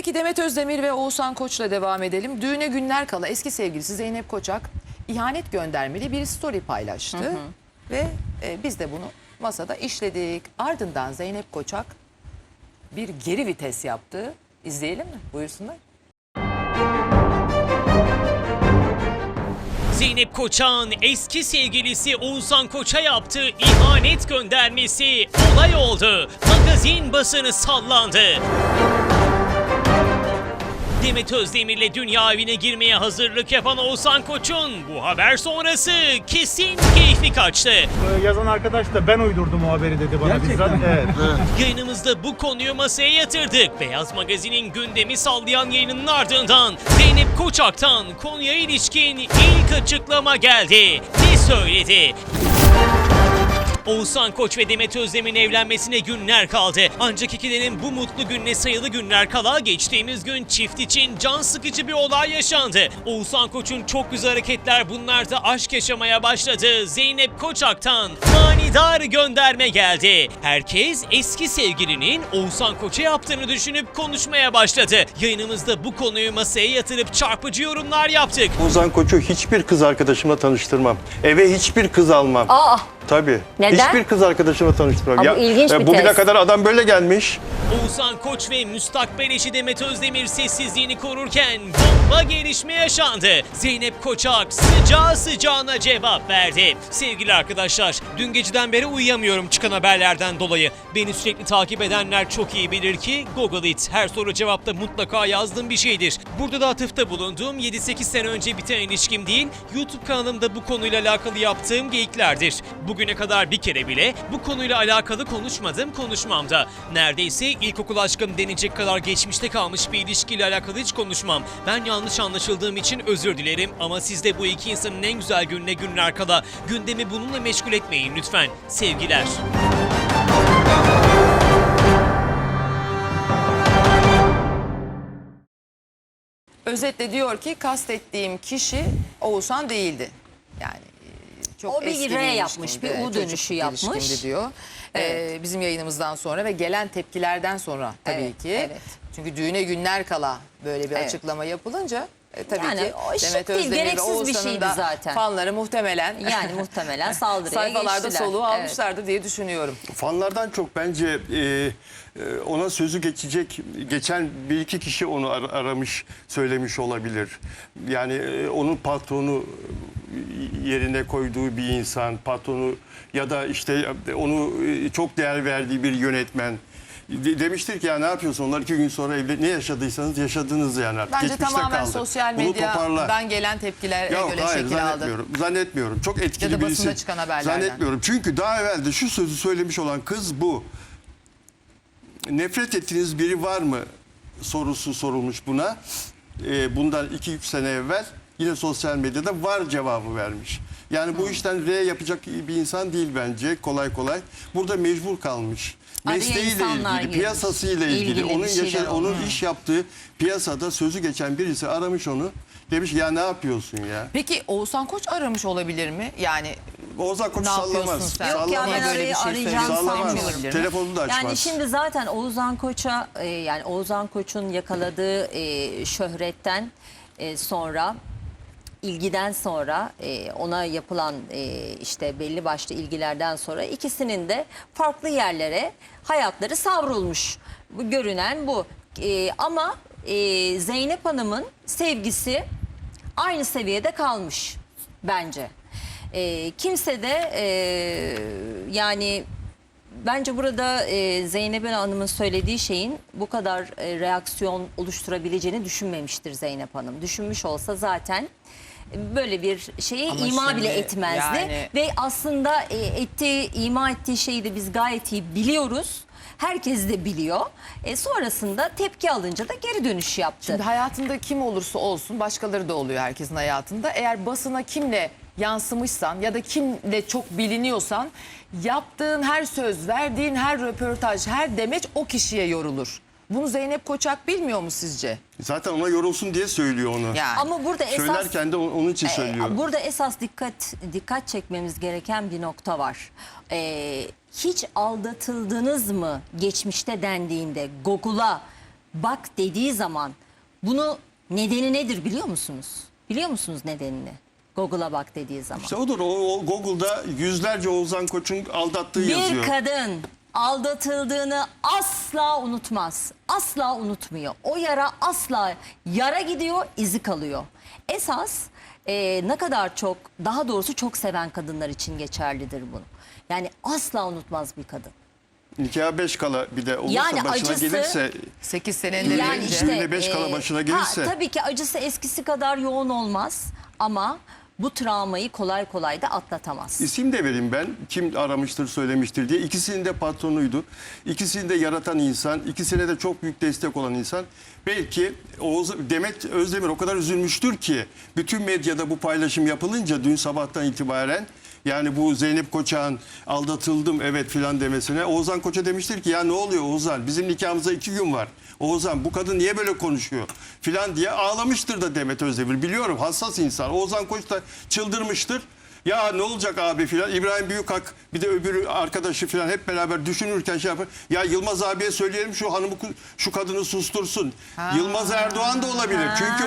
Peki Demet Özdemir ve Oğuzhan Koç'la devam edelim. Düğüne günler kala eski sevgilisi Zeynep Koçak ihanet göndermeli bir story paylaştı. Ve biz de bunu masada işledik. Ardından Zeynep Koçak bir geri vites yaptı. İzleyelim mi? Buyursunlar. Zeynep Koçak'ın eski sevgilisi Oğuzhan Koç'a yaptığı ihanet göndermesi olay oldu. Magazin basını sallandı. Demet Özdemir'le dünya evine girmeye hazırlık yapan Oğuzhan Koç'un bu haber sonrası kesin keyfi kaçtı. Yazan arkadaş da ben uydurdum o haberi dedi bana. Bizzat. Evet. Yayınımızda bu konuyu masaya yatırdık. Beyaz Magazin'in gündemi sallayan yayınının ardından Zeynep Koçak'tan konuya ilişkin ilk açıklama geldi. Ne söyledi? Oğuzhan Koç ve Demet Özdemir'in evlenmesine günler kaldı. Ancak ikilerin bu mutlu gününe sayılı günler kala geçtiğimiz gün çift için can sıkıcı bir olay yaşandı. Oğuzhan Koç'un çok güzel hareketler bunlarda aşk yaşamaya başladı. Zeynep Koçak'tan manidar gönderme geldi. Herkes eski sevgilinin Oğuzhan Koç'a yaptığını düşünüp konuşmaya başladı. Yayınımızda bu konuyu masaya yatırıp çarpıcı yorumlar yaptık. Oğuzhan Koç'u hiçbir kız arkadaşımla tanıştırmam. Eve hiçbir kız almam. Aa! Tabii. Neden? Hiçbir kız arkadaşımla tanıştırmam. Ama ilginç bir bugüne test. kadar adam böyle gelmiş. Oğuzhan Koç ve müstakbel eşi Demet Özdemir sessizliğini korurken bomba gelişme yaşandı. Zeynep Koçak sıcağı sıcağına cevap verdi. Sevgili arkadaşlar, dün geceden beri uyuyamıyorum çıkan haberlerden dolayı. Beni sürekli takip edenler çok iyi bilir ki Google It her soru cevapta mutlaka yazdığım bir şeydir. Burada da atıfta bulunduğum 7-8 sene önce biten ilişkim değil, YouTube kanalımda bu konuyla alakalı yaptığım geyiklerdir. Bugüne kadar bir kere bile bu konuyla alakalı konuşmadım, konuşmam da. Neredeyse ilkokul aşkım denecek kadar geçmişte kalmış bir ilişkiyle alakalı hiç konuşmam. Ben yanlış anlaşıldığım için özür dilerim ama siz de bu iki insanın en güzel gününe günler kala gündemi bununla meşgul etmeyin lütfen. Sevgiler. Özetle diyor ki kastettiğim kişi Oğuzhan değildi. Yani çok O bir eski R bir yapmış, ilişkimdi, bir U çocukluk dönüşü yapmış. ilişkimdi diyor. Bizim yayınımızdan sonra ve gelen tepkilerden sonra tabii Evet, ki. evet. Çünkü düğüne günler kala böyle bir Evet. açıklama yapılınca tabii Yani ki o şık Demet değil, Özdemir ve gereksiz bir Oğuzhan'ın şeydi da zaten. fanları muhtemelen Yani muhtemelen saldırıya sayfalarda geçtiler. soluğu Evet. almışlardır diye düşünüyorum. Fanlardan çok bence ona sözü geçen bir iki kişi onu aramış, söylemiş olabilir. Yani onun patronu yerine koyduğu bir insan, patronu ya da işte onu çok değer verdiği bir yönetmen demiştir ki ya ne yapıyorsun onlar 2 gün sonra evde ne yaşadıysanız yaşadınız yani artık. Bence Geçmişte tamamen kaldı. sosyal Bunu toparla. medyadan gelen tepkilere Yok, göre hayır, şekil aldı. zannetmiyorum. Çok etkili Ya da birisi. basında çıkan haberlerden. Zannetmiyorum. Çünkü daha evvel de şu sözü söylemiş olan kız bu. Nefret ettiğiniz biri var mı sorusu sorulmuş buna. Bundan 2-3 sene evvel yine sosyal medyada var cevabı vermiş. Yani bu işten R yapacak bir insan değil bence kolay kolay. Burada mecbur kalmış. Araya Mesleğiyle insanlar ilgili, girmiş. piyasasıyla ilgili, İlgili onun bir şeyler onun olmuş. iş yaptığı piyasada sözü geçen birisi aramış onu. Demiş ya ne yapıyorsun ya? Peki Oğuzhan Koç aramış olabilir mi? Yani Oğuzhan Koç ne yapıyorsun sallamaz. sen? Yok ya, Sallamaz. ben Böyle bir şey arayacağını söylüyor. Sallamaz. sanmıyorum. Telefonunu da açmaz. Yani şimdi zaten Oğuzhan Koç'a yani Oğuzhan Koç'un yakaladığı şöhretten sonra ilgiden sonra ona yapılan işte belli başlı ilgilerden sonra ikisinin de farklı yerlere hayatları savrulmuş. Bu görünen bu. Ama Zeynep Hanım'ın sevgisi aynı seviyede kalmış bence. Kimse de yani bence burada Zeynep Hanım'ın söylediği şeyin bu kadar reaksiyon oluşturabileceğini düşünmemiştir Zeynep Hanım. Düşünmüş olsa zaten böyle bir şeye Ama ima bile şimdi etmezdi. yani- Ve aslında ima ettiği şeyi de biz gayet iyi biliyoruz. Herkes de biliyor. Sonrasında tepki alınca da geri dönüş yaptı. Şimdi hayatında kim olursa olsun başkaları da oluyor herkesin hayatında. Eğer basına kimle yansımışsan ya da kimle çok biliniyorsan yaptığın her söz, verdiğin her röportaj, her demeç o kişiye yorulur. Bunu Zeynep Koçak bilmiyor mu sizce? Zaten ona yorulsun diye söylüyor onu. Yani. Ama burada esas Söylerken de onun için söylüyor. burada esas dikkat çekmemiz gereken bir nokta var. Hiç aldatıldınız mı geçmişte dendiğinde Google'a bak dediği zaman bunu nedeni nedir biliyor musunuz? Biliyor musunuz nedenini? Google'a bak dediği zaman. İşte odur. O Google'da yüzlerce Oğuzhan Koç'un aldattığı yazıyor. Bir kadın aldatıldığını asla unutmaz. Asla unutmuyor. O yara asla yara gidiyor, izi kalıyor. Esas ne kadar çok, daha doğrusu çok seven kadınlar için geçerlidir bunu. Yani asla unutmaz bir kadın. Nikaha 5 kala bir de olursa Yani başına acısı- gelirse 8 senenin Yani önce. işte düğüne 5 kala başına gelirse. tabii ki acısı eskisi kadar yoğun olmaz ama bu travmayı kolay kolay da atlatamaz. İsim de vereyim ben. Kim aramıştır, söylemiştir diye. İkisinin de patronuydu. İkisini de yaratan insan. İkisine de çok büyük destek olan insan. Belki Demet Özdemir o kadar üzülmüştür ki bütün medyada bu paylaşım yapılınca dün sabahtan itibaren, yani bu Zeynep Koçak'ın aldatıldım evet filan demesine, Oğuzhan Koç'a demiştir ki ya ne oluyor Oğuzhan, bizim nikahımıza 2 gün var. Oğuzhan bu kadın niye böyle konuşuyor filan diye ağlamıştır da Demet Özdemir. Biliyorum, hassas insan. Oğuzhan Koç da çıldırmıştır. Ya ne olacak abi filan. İbrahim Büyükak bir de öbürü arkadaşı filan hep beraber düşünürken şey yapar. Ya Yılmaz abiye söyleyelim şu hanımı, şu kadını sustursun. Yılmaz Erdoğan da olabilir. Çünkü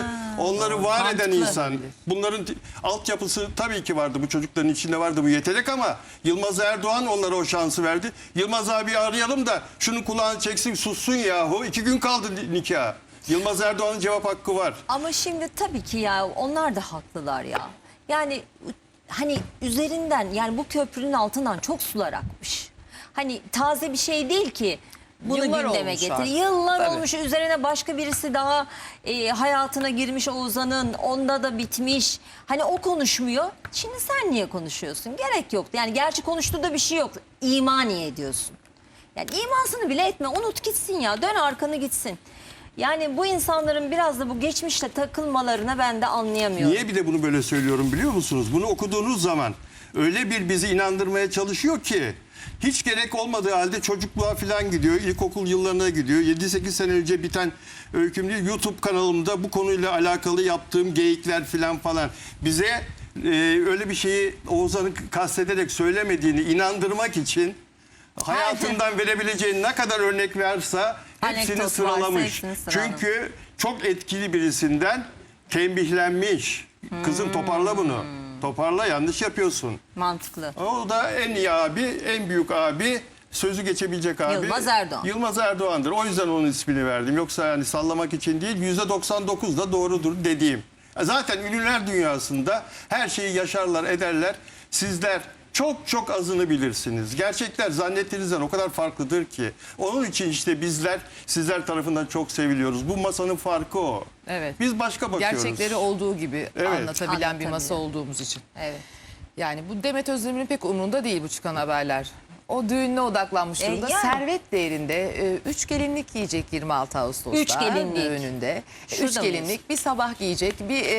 onları var eden Mantıklı. insan. Bunların altyapısı tabii ki vardı. Bu çocukların içinde vardı bu yetenek ama Yılmaz Erdoğan onlara o şansı verdi. Yılmaz abi arayalım da şunun kulağını çeksin, sussun yahu. 2 gün kaldı nikah. Yılmaz Erdoğan'ın cevap hakkı var. Ama şimdi tabii ki ya onlar da haklılar ya. Yani hani üzerinden, yani bu köprünün altından çok sular akmış. Hani taze bir şey değil ki bunu Yıllar gündeme olmuş getir. artık. Yıllar Tabii. olmuş, üzerine başka birisi daha hayatına girmiş Oğuzhan'ın, onda da bitmiş. Hani o konuşmuyor. Şimdi sen niye konuşuyorsun? Gerek yok. Yani gerçi konuştuğu da bir şey yok. İma niye ediyorsun? Yani imasını bile etme. Unut gitsin ya. Dön arkanı gitsin. Yani bu insanların biraz da bu geçmişle takılmalarına ben de anlayamıyorum. Niye bir de bunu böyle söylüyorum biliyor musunuz? Bunu okuduğunuz zaman öyle bir bizi inandırmaya çalışıyor ki hiç gerek olmadığı halde çocukluğa falan gidiyor. İlkokul yıllarına gidiyor. 7-8 sene önce biten öyküm değil, YouTube kanalımda bu konuyla alakalı yaptığım geyikler falan bize öyle bir şeyi Oğuzhan'ın kastederek söylemediğini inandırmak için hayatından verebileceğin ne kadar örnek varsa hepsini Anekdot sıralamış. varsa hepsini sıralamış. Çünkü çok etkili birisinden tembihlenmiş. Kızım toparla bunu. Toparla, yanlış yapıyorsun. Mantıklı. O da en iyi abi, en büyük abi, sözü geçebilecek abi. Yılmaz Erdoğan. Yılmaz Erdoğan'dır. O yüzden onun ismini verdim. Yoksa yani sallamak için değil, %99 da doğrudur dediğim. Zaten ünlüler dünyasında her şeyi yaşarlar, ederler. Sizler çok çok azını bilirsiniz. Gerçekler zannettiğinizden o kadar farklıdır ki. Onun için işte bizler sizler tarafından çok seviliyoruz. Bu masanın farkı o. Evet. Biz başka bakıyoruz. Gerçekleri olduğu gibi Evet. anlatabilen bir masa Anlatabiliyor. olduğumuz için. Evet. Yani bu Demet Özdemir'in pek umurunda değil bu çıkan haberler. O düğününe odaklanmış durumda. yani. Servet değerinde 3 gelinlik giyecek 26 Ağustos'ta. 3 gelinlik. Düğününde. Şurada 3 gelinlik, bir sabah giyecek, bir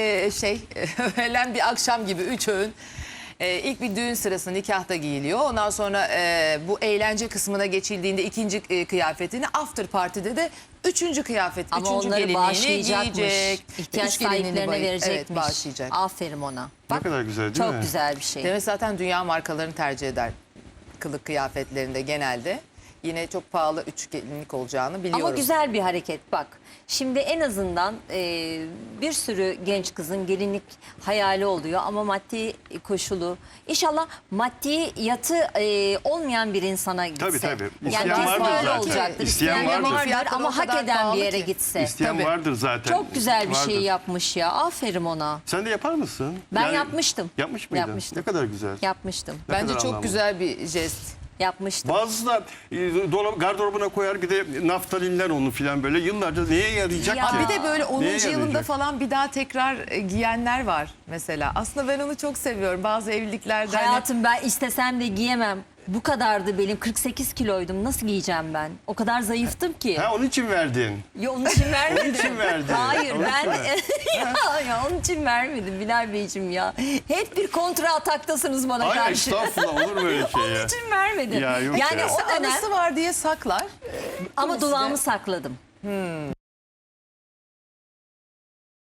öğlen bir akşam gibi 3 öğün. İlk bir düğün sırasında nikahta giyiliyor. Ondan sonra bu eğlence kısmına geçildiğinde ikinci kıyafetini, after party'de de üçüncü kıyafet, Ama üçüncü onları gelinliğini bağışlayacakmış. giyecek. İhtiyaç Üç gelinliğini sahiplerine verecekmiş. Evet, bağışlayacak. Aferin ona. Ne kadar güzel değil çok mi? güzel bir şey. Demet zaten dünya markalarını tercih eder kılık kıyafetlerinde genelde. Yine çok pahalı 3 gelinlik olacağını biliyorum. Ama güzel bir hareket bak. Şimdi en azından bir sürü genç kızın gelinlik hayali oluyor ama maddi koşulu. İnşallah maddiyatı olmayan bir insana gitse. Tabii. Yani İsteyen kesin vardır öyle zaten. olacaktır. İsteyen İsteyen vardır. vardır Fiyatlar ama o hak kadar eden bir pahalı yere ki. gitse. İsteyen Tabii. vardır zaten. Çok güzel bir şey Vardır. yapmış ya. Aferin ona. Sen de yapar mısın? Ben yapmıştım. Yapmış mıydın? Yapmıştım. Ne kadar güzel. Yapmıştım. Ne Bence kadar çok anlamlı. güzel bir jest. Yapmıştım. Bazısı da gardırobuna koyar, bir de naftalinler onu filan böyle yıllarca neye yarayacak Ya ki? Bir de böyle 10. Neye yılında yarayacak? falan bir daha tekrar giyenler var mesela. Aslında ben onu çok seviyorum. Bazı evliliklerde hani- Hayatım ben istesem de giyemem. Bu kadardı benim, 48 kiloydum. Nasıl giyeceğim ben? O kadar zayıftım ki. Ha, onun için verdin. Ya onun için vermedim. Onun için verdin. Hayır Onun ben için ya onun için vermedim Bilal Beyciğim ya. Hep bir kontra ataktasınız bana Hayır karşı. estağfurullah, olur mu öyle şey Onun ya? için vermedim. Ya yok yani ya. o dönem anısı var diye saklar. ama Kimisi de- dudağımı sakladım.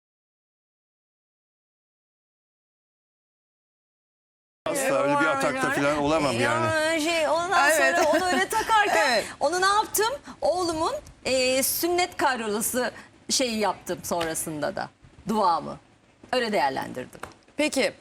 Asla öyle bir atakta falan olamam yani. Ondan Evet. sonra onu öyle takarken Evet. onu ne yaptım? Oğlumun sünnet karyolası şeyi yaptım sonrasında da. Duamı. Öyle değerlendirdim. Peki